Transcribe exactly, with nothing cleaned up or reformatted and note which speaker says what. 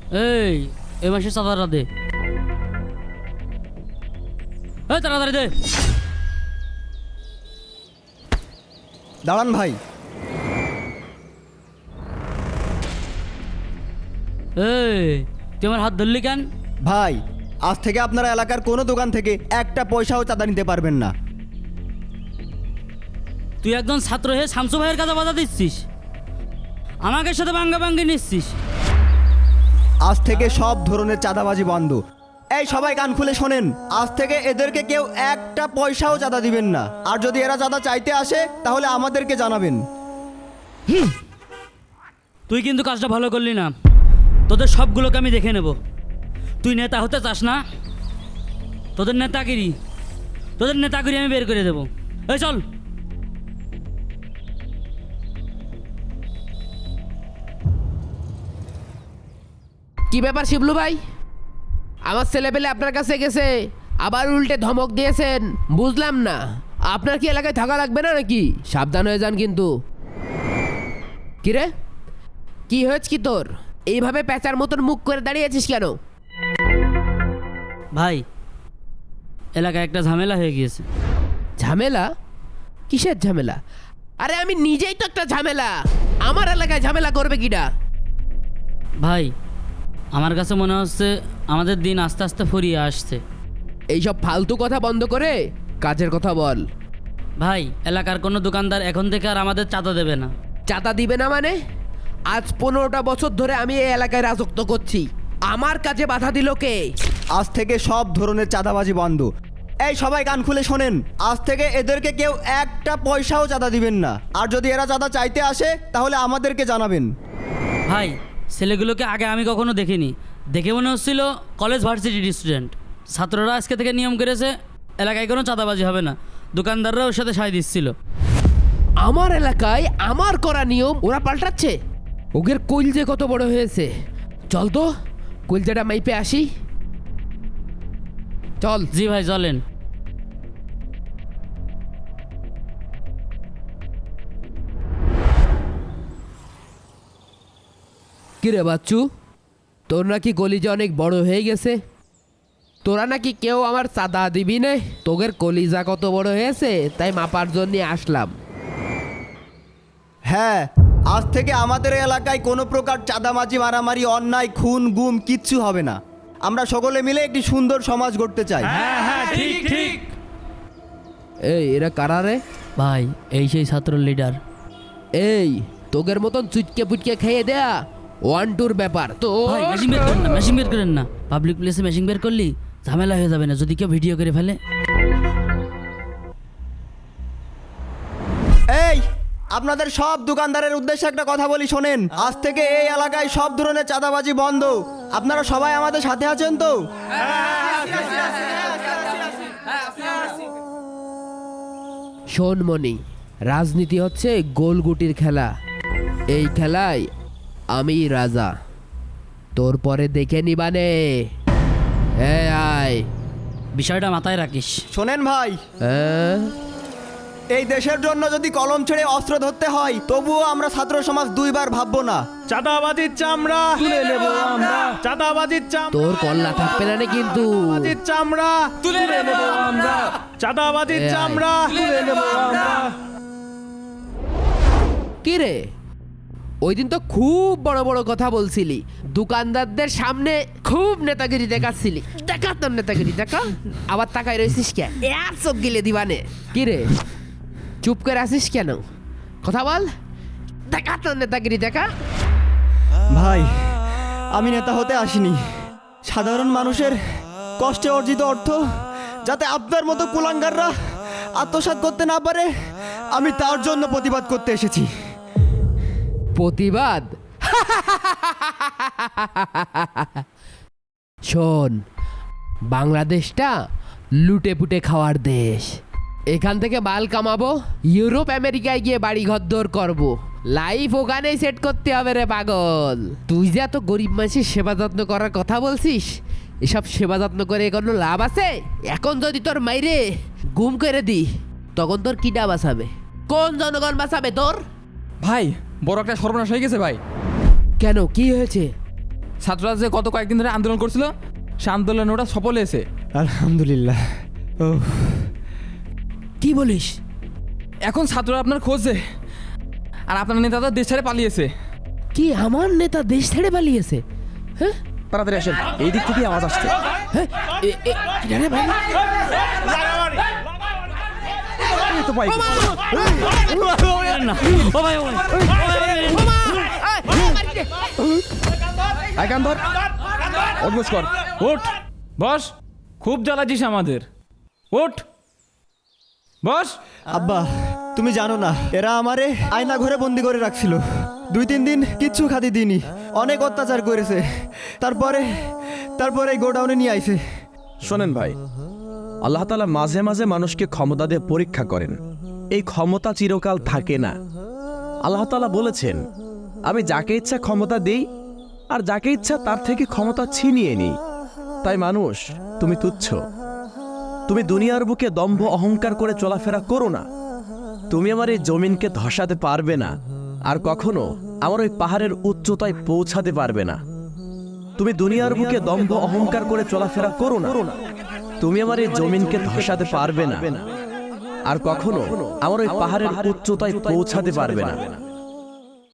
Speaker 1: এই এই মাসে চাঁদাটা দে। এই তাড়াতাড়ি দে।
Speaker 2: দাঁড়ান ভাই।
Speaker 1: এই তুই আমার হাত ধরলি কেন?
Speaker 2: ভাই আজ থেকে আপনারা এলাকার কোনো দোকান থেকে একটা পয়সাও চাঁদা নিতে পারবেন না।
Speaker 1: তুই একজন ছাত্র হয়ে শামসু ভাইয়ের কাছে বাধা দিচ্ছিস, আমাকে সাথে বাঙ্গা বাঙ্গি নিচ্ছিস।
Speaker 2: আজ থেকে সব ধরনের চাঁদাবাজি বন্ধ। এই সবাই কান খুলে শোনেন, আজ থেকে এদেরকে কেউ একটা পয়সাও চাঁদা দিবেন না। আর যদি এরা চাঁদা চাইতে আসে তাহলে আমাদেরকে জানাবেন।
Speaker 1: তুই কিন্তু কাজটা ভালো করলি না, তোদের সবগুলোকে আমি দেখে নেব। তুই নেতা হতে চাস না? তোদের নেতাগিরি তোদের নেতাগিরি আমি বের করে দেবো। এই চল।
Speaker 3: কি ব্যাপার শিবলু ভাই, আমার ছেলেপেলে আপনার কাছে গেছে আবার উল্টে ধমক দিয়েছেন, বুঝলাম না। আপনার কি এলাকায় থাকা লাগবে না নাকি? সাবধান হয়ে যান কিন্তু। কিরে কি হয়েছে কি তোর? এইভাবে প্যাঁচার মতন মুখ করে দাঁড়িয়েছিস কেন?
Speaker 1: ভাই এলাকায় একটা ঝামেলা হয়ে গিয়েছে।
Speaker 3: ঝামেলা? কিসের ঝামেলা? আরে আমি নিজেই তো একটা ঝামেলা, আমার এলাকায় ঝামেলা করবে কিডা?
Speaker 1: ভাই আমার কাছে মনে হচ্ছে আমাদের দিন আস্তে আস্তে ফুরিয়ে আসছে।
Speaker 3: এইসব ফালতু কথা বন্ধ করে কাজের কথা বল।
Speaker 1: ভাই এলাকার কোনো দোকানদার এখন থেকে আর আমাদের চাঁদা দেবে না।
Speaker 3: চাঁদা দিবে না মানে? আজ পনেরোটা বছর ধরে আমি এই এলাকায় রাজত্ব করছি, আমার কাজে বাধা দিল কে?
Speaker 2: আজ থেকে সব ধরনের চাঁদাবাজি বন্ধ। এই সবাই কান খুলে শোনেন, আজ থেকে এদেরকে কেউ একটা পয়সাও চাঁদা দিবেন না। আর যদি এরা চাঁদা চাইতে আসে তাহলে আমাদেরকে জানাবেন।
Speaker 1: ভাই ছেলেগুলোকে আগে আমি কখনো দেখিনি, দেখে মনে হচ্ছিল কলেজ ভার্সিটির স্টুডেন্ট। ছাত্ররা আজকে থেকে নিয়ম করেছে এলাকায় কোনো চাঁদাবাজি হবে না, দোকানদাররা ওর সাথে সায় দিচ্ছিল।
Speaker 3: আমার এলাকায় আমার করা নিয়ম ওরা পাল্টাচ্ছে। ওদের কইলজে কত বড় হয়েছে! চল তো কইলজেটা মাইপে আসি। চল।
Speaker 1: জি ভাই চলেন।
Speaker 3: কিরে বাচ্চু, তোর নাকি কলিজা অনেক বড় হয়ে গেছে? তোরা নাকি কেউ আমার চাঁদা দিবি না? তোদের কলিজা কত বড় হয়েছে তাই মাপার জন্য আসলাম।
Speaker 2: হ্যাঁ, আজ থেকে আমাদের এলাকায় কোনো প্রকার চাঁদাবাজি, মারামারি, অন্যায়, খুন, গুম কিচ্ছু হবে না। আমরা সকলে মিলে একটি সুন্দর সমাজ গড়তে চাই।
Speaker 3: এই এরা কারা রে?
Speaker 1: ভাই এই সেই ছাত্র লিডার।
Speaker 3: এই তোগের মতন চুটকে পুটকে খেয়ে দেয়া ওয়ান টুর ব্যাপার তো।
Speaker 1: ভাই মেশিন বের করেন না, মেশিন বের করেন না। পাবলিক প্লেসে মেশিন বের করলি ঝামেলা হয়ে যাবে না যদি কেউ ভিডিও করে ফেলে।
Speaker 2: এই আপনাদের সব দোকানদারের উদ্দেশ্যে একটা কথা বলি শোনেন, আজ থেকে এই এলাকায় সব ধরনের চাঁদাবাজি বন্ধ। আপনারা সবাই আমাদের সাথে আছেন তো?
Speaker 3: শোন মনি, রাজনীতি হচ্ছে গোলগুটির খেলা। এই খেলায় আমি রাজা, তোর পরে দেখে নিবানে। হ্যাঁ আয়।
Speaker 1: বিষয়টা মাথায় রাখিস।
Speaker 2: শোনেন ভাই,
Speaker 3: হ্যাঁ?
Speaker 2: এই দেশের জন্য যদি কলম ছেড়ে অস্ত্র ধরতে হয় তবুও আমরা ছাত্র সমাজ দুইবার ভাববো না।
Speaker 4: চাঁদাবাজির চামড়া তুলে নেব আমরা, চাঁদাবাজির চামড়া
Speaker 3: তোর কল্লা থাকবে না রে কিন্তু।
Speaker 4: চাঁদাবাজির চামড়া তুলে নেব আমরা, চাঁদাবাজির
Speaker 3: এই আয়।
Speaker 4: চামড়া তুলে নেব আমরা।
Speaker 3: কি রে, ওই দিন তো খুব বড় বড় কথা বলছিলি, দোকানদারদের সামনে খুব নেতাগিরি দেখাচ্ছিলি। দেখা তোর নেতাগিরি দেখা, আবার তাকাই রয়েছিস কে? এক চোখ গিলে দিবানে। কি রে চুপ করে আসিস কেন? কথা বল, দেখা তোর নেতাগিরি দেখা।
Speaker 2: ভাই আমি নেতা হতে আসিনি, সাধারণ মানুষের কষ্টে অর্জিত অর্থ যাতে আপনার মতো কুলাঙ্গাররা আত্মসাৎ করতে না পারে আমি তার জন্য প্রতিবাদ করতে এসেছি।
Speaker 3: প্রতিবাদ? শোন, বাংলাদেশটা লুটে পুটে খাওয়ার দেশ। এখান থেকে মাল কামাবো, ইউরোপ আমেরিকায় গিয়ে বাড়ি ঘর দৌড় করবো, লাইফ ওখানেই সেট করতে হবে রে পাগল। তুই যে এত গরিব মানুষের সেবা যত্ন করার কথা বলছিস, এসব সেবা যত্ন করে কোনো লাভ আছে? এখন যদি তোর মাইরে গুম করে দি তখন তোর কিডা বাঁচাবে? কোন জনগণ বাঁচাবে তোর?
Speaker 5: ভাই বড় একটা সর্বনাশ হয়ে গেছে ভাই।
Speaker 3: কেন, কি হয়েছে?
Speaker 5: ছাত্ররা যে গত কয়েকদিন ধরে আন্দোলন করছিল সে আন্দোলনে ওটা সফল হয়েছে।
Speaker 2: আলহামদুলিল্লাহ। ও
Speaker 3: কি বলিস?
Speaker 5: এখন ছাত্ররা আপনার খোঁজে, আর আপনার নেতা তো দেশ ছেড়ে পালিয়েছে।
Speaker 3: কি আমার নেতা দেশ ছেড়ে পালিয়েছে? হ্যাঁ
Speaker 6: তাড়াতাড়ি আসেন, এই দিক থেকে আওয়াজ আসছে।
Speaker 3: হ্যাঁ এ- এ- কি রে ভাই?
Speaker 6: এই তো বাইক।
Speaker 1: না ও ভাই ও ভাই, ও ভাই, ও ভাই।
Speaker 6: আয় কান ধর, অভ্যাস কর।
Speaker 5: ওঠ বস, খুব জ্বালাছিস আমাদের। ওঠ বস।
Speaker 2: আব্বা, তুমি জানো না এরা আমারে আয়না ঘরে বন্দি করে রাখছিল। দুই তিন দিন কিচ্ছু খাতি দিইনি, অনেক অত্যাচার করেছে। তারপরে তারপরে এই গোডাউনে নিয়ে আইছে।
Speaker 6: শোনেন ভাই, আল্লাহ তাআলা মাঝে মাঝে মানুষকে ক্ষমতা দিয়ে পরীক্ষা করেন। এই ক্ষমতা চিরকাল থাকে না। আল্লাহ তাআলা বলেছেন, আমি যাকে ইচ্ছা ক্ষমতা দেই আর যাকে ইচ্ছা তার থেকে ক্ষমতা ছিনিয়ে নিই। তাই মানুষ, তুমি তুচ্ছ। তুমি দুনিয়ার বুকে দম্ভ অহংকার করে চলাফেরা করো না। তুমি আমার এই জমিনকে ধসাতে পারবে না, আর কখনো আমার ওই পাহাড়ের উচ্চতায় পৌঁছাতে পারবে না। তুমি দুনিয়ার বুকে দম্ভ অহংকার করে চলাফেরা করো না। তুমি আমার এই জমিনকে ধসাতে পারবে না, আর কখনো আমার ওই পাহাড়ের উচ্চতায় পৌঁছাতে পারবে না।